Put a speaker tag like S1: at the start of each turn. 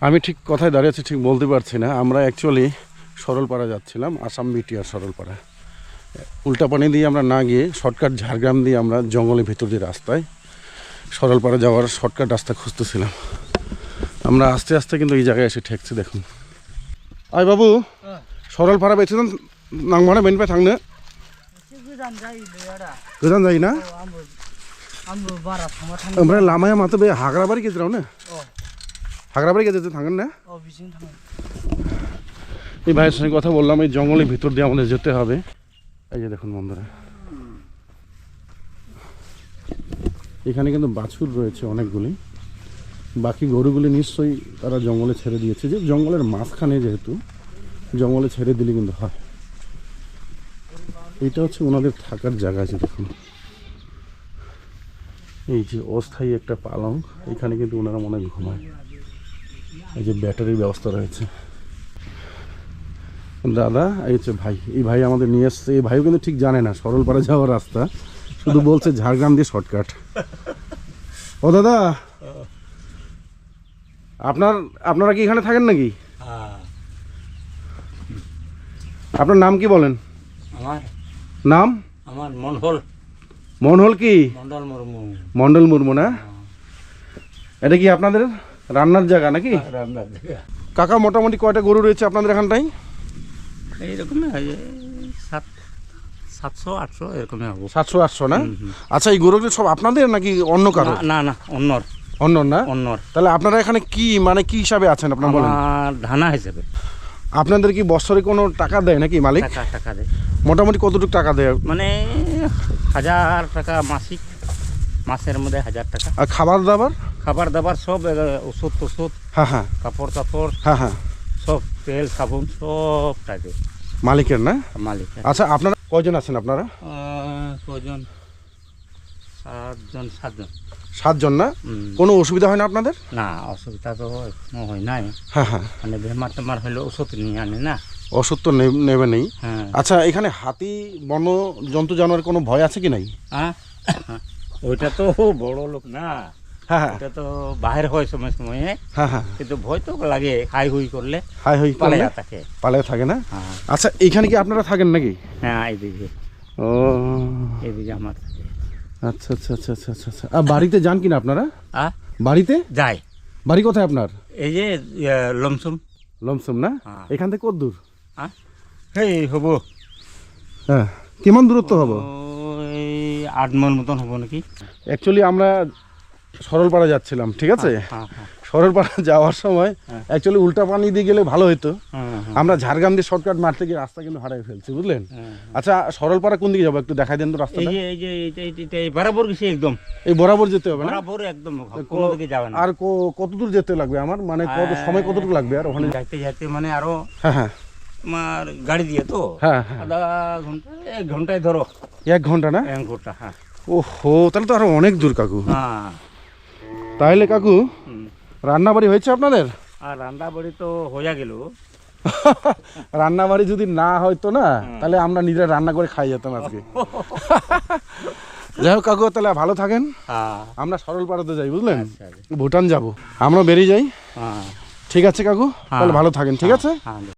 S1: আমি ঠিক কোথায় দাঁড়িয়ে আছি ঠিক বলতে পারছি না। আমরা অ্যাকচুয়ালি সরলপাড়া যাচ্ছিলাম, আসাম বিটিআর সরলপাড়া। উল্টাপানি দিয়ে আমরা না গিয়ে শর্টকাট ঝাড়গ্রাম দিয়ে আমরা জঙ্গলের ভেতর দিয়ে রাস্তায় সরলপাড়া যাওয়ার শর্টকাট রাস্তা খুঁজতেছিলাম। আমরা আস্তে আস্তে কিন্তু এই জায়গায় এসে ঠেকছি। দেখুন আয় বাবু, সরলপাড়া বেছে দেন নাংমাना बेनिफ्राय थांनो गोजान जायो ना? ओमफ्राय लामाया माथो बे हाग्राबारि गेजेरावनो? हाग्राबारि गेजेरजों थांगोन ना? এই ভাইয়ের সঙ্গে কথা বললাম, এই জঙ্গলের ভিতর দিয়ে আমাদের যেতে হবে। এই যে দেখুন বন্ধুরা, এখানে কিন্তু বাছুর রয়েছে অনেকগুলি। বাকি গরুগুলি নিশ্চয়ই তারা জঙ্গলে ছেড়ে দিয়েছে, যে জঙ্গলের মাঝখানে যেহেতু জঙ্গলে ছেড়ে দিলে কিন্তু হয়। এটা হচ্ছে ওনাদের থাকার জায়গা আছে। দেখুন এই যে অস্থায়ী একটা পালং, এখানে কিন্তু ওনারা মনে হয় ঘুমায়। এই যে ব্যাটারির ব্যবস্থা রয়েছে। দাদা এই হচ্ছে ভাই, এই ভাই আমাদের নিয়ে এসছে। এই ভাইও কিন্তু ঠিক জানে না সরলপাড়া যাওয়ার রাস্তা, শুধু বলছে ঝাড়গ্রাম দিয়ে শর্টকাট। ও দাদা, আপনারা কি এখানে থাকেন নাকি? আপনার নাম কি বলেন?
S2: আমার
S1: নাম?
S2: আমার মন্ডল।
S1: মন্ডল কি?
S2: মন্ডল মুর্মু।
S1: মন্ডল মুর্মু না? এটা কি আপনাদের রান্নার জায়গা নাকি?
S2: রান্নার জায়গা।
S1: কাকা মোটামুটি কয়টা গরু রয়েছে আপনাদের এখানটাই?
S2: এইরকম 700-800 এরকমই হবে।
S1: 700-800 না? আচ্ছা, এই গরুগুলো সব আপনাদের নাকি অন্য কারো?
S2: না না, অন্যর।
S1: অন্য না?
S2: অন্যর।
S1: তাহলে আপনারা এখানে কি মানে কি হিসাবে আছেন আপনারা বলেন?
S2: ধানা হিসেবে।
S1: আপনাদের কি বছরে কোনো টাকা দেয় নাকি মালিক?
S2: টাকা দেয়।
S1: মোটামুটি কতটুকু টাকা দেয়?
S2: মানে 1000 টাকা মাসিক, মাসের মধ্যে 1000 টাকা।
S1: আর খাবার দাবার?
S2: খাবার দাবার সব, ওষুধ টষুধ,
S1: হ্যাঁ হ্যাঁ,
S2: কাপড় টাপড়,
S1: হ্যাঁ হ্যাঁ,
S2: সব তেল সাবুন সব টাকা
S1: মালিকের না?
S2: মালিক।
S1: আচ্ছা, আপনারা কয়জন আছেন আপনারা?
S2: কজন? 7 জন।
S1: 7 জন না? কোনো অসুবিধা হয় না আপনাদের?
S2: না, অসুবিধা তো এখনো হয় নাই।
S1: হ্যাঁ হ্যাঁ,
S2: মানে বেমার টেমার হলে ওষুধ নিয়ে আনে না।
S1: ওষুধ তো নেবে নেই।
S2: হ্যাঁ।
S1: আচ্ছা, এখানে হাতি বন জন্তু জানোয়ার কোনো ভয় আছে কি নাই?
S2: হ্যাঁ, ওইটা তো বড় লোক না।
S1: হ্যাঁ হ্যাঁ,
S2: এটা তো বাহির হয় সময় সময়ে।
S1: হ্যাঁ হ্যাঁ,
S2: কিন্তু ভয় তো লাগে, হাই হুই করলে
S1: হাই হই
S2: পালে
S1: করলে
S2: থাকে।
S1: পালে থাকে না?
S2: হ্যাঁ
S1: আচ্ছা, এইখানে কি আপনারা থাকেন নাকি?
S2: হ্যাঁ, এইদিকে
S1: ও
S2: এইদিকে আমার থাকে।
S1: আচ্ছা আচ্ছা আচ্ছা আচ্ছা আচ্ছা আচ্ছা। আর বাড়িতে যান কিনা আপনারা? বাড়িতে
S2: যাই।
S1: বাড়ি কোথায় আপনার?
S2: এই যে লমসম।
S1: লমসম না?
S2: হ্যাঁ।
S1: এখান থেকে কত দূর?
S2: এই হবো,
S1: হ্যাঁ, কেমন দূরত্ব হবো?
S2: ওই 8 মাইল মতন হবো নাকি।
S1: অ্যাকচুয়ালি আমরা সরলপাড়া যাচ্ছিলাম, ঠিক আছে?
S2: হ্যাঁ হ্যাঁ
S1: সরলপাড়া যাওয়ার সময় অ্যাকচুয়ালি উল্টা পানি দিয়ে গেলে ভালো হতো।
S2: হ্যাঁ হ্যাঁ।
S1: আমরা ঝাড়গ্রাম দিয়ে শর্টকাট মারতে গিয়ে রাস্তা কিন্তু হারিয়ে ফেলছি, বুঝলেন? আচ্ছা, সরলপাড়া কোন দিকে যাবো একটু দেখাই দেন তো
S2: এই
S1: রাস্তাটা।
S2: যে এই বরাবর গেছে একদম।
S1: এই বরাবর যেতে হবে না?
S2: বরাবর একদম, কোনো দিকে যাবে না।
S1: আর কত দূর যেতে লাগবে আমার, মানে কত সময় কতটুকু লাগবে আর ওখানে
S2: যাইতে যাইতে মানে আরো
S1: হ্যাঁ হ্যাঁ
S2: তোমার গাড়ি দিয়ে তো
S1: হ্যাঁ হ্যাঁ,
S2: আধা ঘন্টা 1 ঘন্টায় ধরো।
S1: 1 ঘন্টা না?
S2: 1 ঘন্টা। হ্যাঁ।
S1: ওহো, তাহলে তো আরো অনেক দূর কাকু।
S2: হ্যাঁ।
S1: তাহলে কাকু রান্না বাড়ি হয়েছে আপনাদের?
S2: আর রান্না বাড়ি তো হয়ে গেল।
S1: রান্না বাড়ি যদি না হয়তো না, তাহলে আমরা নিজেরা রান্না করে খাই যেতাম আজকে। যাই হোক কাকু, তাহলে ভালো থাকেন। আমরা সরলপাড়াতে যাই, বুঝলেন? ভুটান যাব, আমরা বেরিয়ে যাই। ঠিক আছে কাকু, তাহলে ভালো থাকেন। ঠিক আছে।